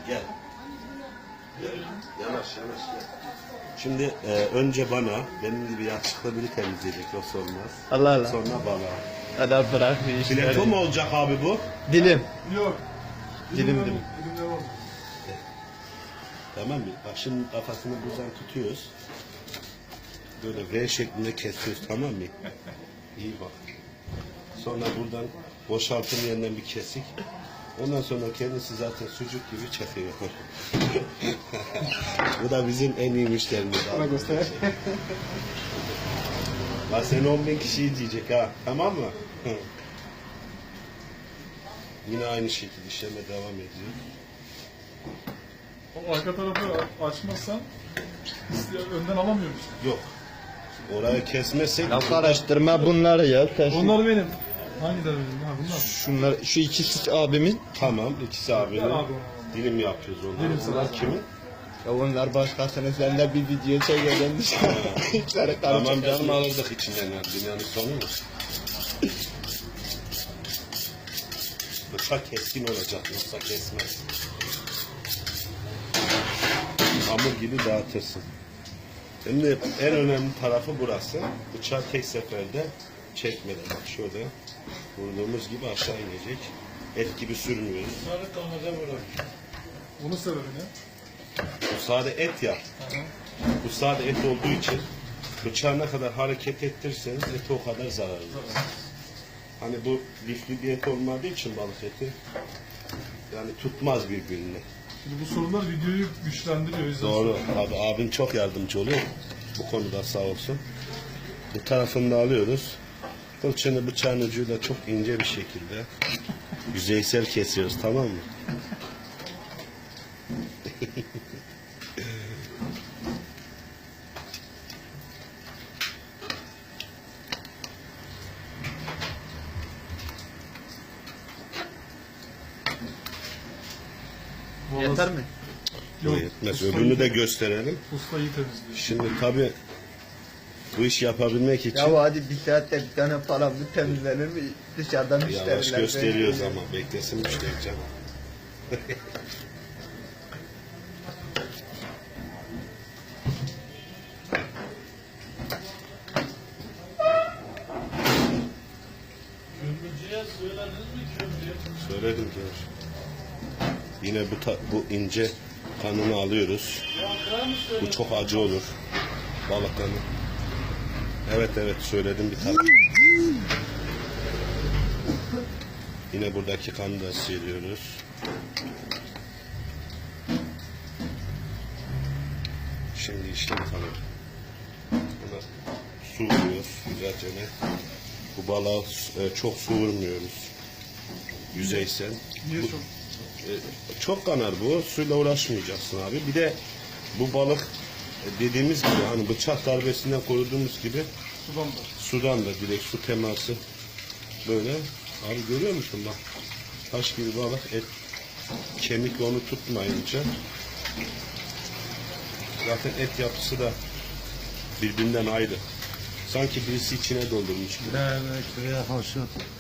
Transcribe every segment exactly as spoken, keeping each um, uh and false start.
Gel. Gel. Yanaş yanaş gel. Şimdi e, önce bana, benim gibi yakışıklı biri temizleyecek, yoksa olmaz. Allah Allah. Sonra bana. Hadi bırak bir işleri. Fileto mu olacak abi bu? Dilim. Yok. Dilim dilim. Dilimler oldu. Tamam mı? Bak şimdi kafasını buradan tutuyoruz. Böyle V şeklinde kesiyoruz, tamam mı? İyi bak. Sonra buradan boşaltım yerinden bir kesik. Ondan sonra kendisi zaten sucuk gibi çakıyor. Bu da bizim en iyi müşterimiz. Bana göster. Bak seni on bin kişi izleyecek ha. Tamam mı? Yine aynı şekilde işleme devam ediyor. O arka tarafı açmazsan iste- önden alamıyor musun? Yok. Orayı kesmezsek Ya karıştırma bunları ya. Sen şu- Onlar benim. Hangileri benim? Ha bunlar. Şunlar, şu ikisi abimin. tamam, ikisi abinin. Ver abi onu. Dilim yapıyoruz onları. Dilim Bunlar sana. kimin? Ya onlar başkasının sen de bir video çekeceksin dışarı. İçeri Tamam karıştırma. canım, alırdık içinden yani. Dünyanın sonu mu? Bıçak keskin olacak, yoksa kesmez. Hamur gibi dağıtırsın. Şimdi en önemli tarafı burası. Bıçağı tek seferde çekmeden. Bak şöyle vurduğumuz gibi aşağı inecek. Et gibi sürmüyoruz. Sarı kanaca bırak. Bunu severim ya. Bu sade et ya. Bu sade et olduğu için bıçağı ne kadar hareket ettirirseniz eti o kadar zararlı. Hani bu lifli bir et olmadığı için balık eti yani tutmaz birbirini. Şimdi bu sorular videoyu güçlendiriyor. o yüzden Doğru. soruyorum. Abi abim çok yardımcı oluyor. Bu konuda sağ olsun. Bu tarafını da alıyoruz. Fırçanı bıçağın ucuyla çok ince bir şekilde yüzeysel kesiyoruz, tamam mı? Yeter mi? Yok. Yetmez. Ustayı- Öbürünü de gösterelim. Usta iyi temizliyor. Şimdi tabii bu iş yapabilmek için Ya hadi bir saatte bir tane paramı temizlenir mi? Dışarıdan müşteriler. yavaş gösteriyoruz bekliyor. ama beklesin müşteri canım. Kömürcüye söylediniz mi kömürcüye? Söyledim ki. Yine bu ta- bu ince kanını alıyoruz. Bu çok acı olur. Balık kanı. Evet evet söyledim bir tane. Yine buradaki kanı da sıyırıyoruz. Şimdi işlem kanı. Buna su vuruyoruz güzelce ne. Bu balığa e, çok su vurmuyoruz. Yüzeysel. Niye Bu- çok? e, çok kanar bu. Suyla uğraşmayacaksın abi. Bir de bu balık e, dediğimiz gibi hani bıçak darbesinden koruduğumuz gibi Sudan da. sudan da direkt su teması böyle. Abi görüyor musun bak. Taş gibi balık, et kemikle onu tutmayınca zaten et yapısı da birbirinden ayrı. Sanki birisi içine doldurmuş gibi. Evet, köye hoşu.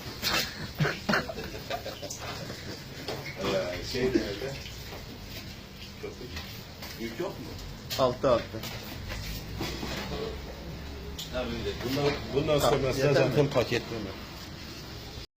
Ee, şey nerede? Köpük. Yük yok mu? Altı altı. Bundan, bundan Tamam, sonrası yeter mi? zaten paketleme.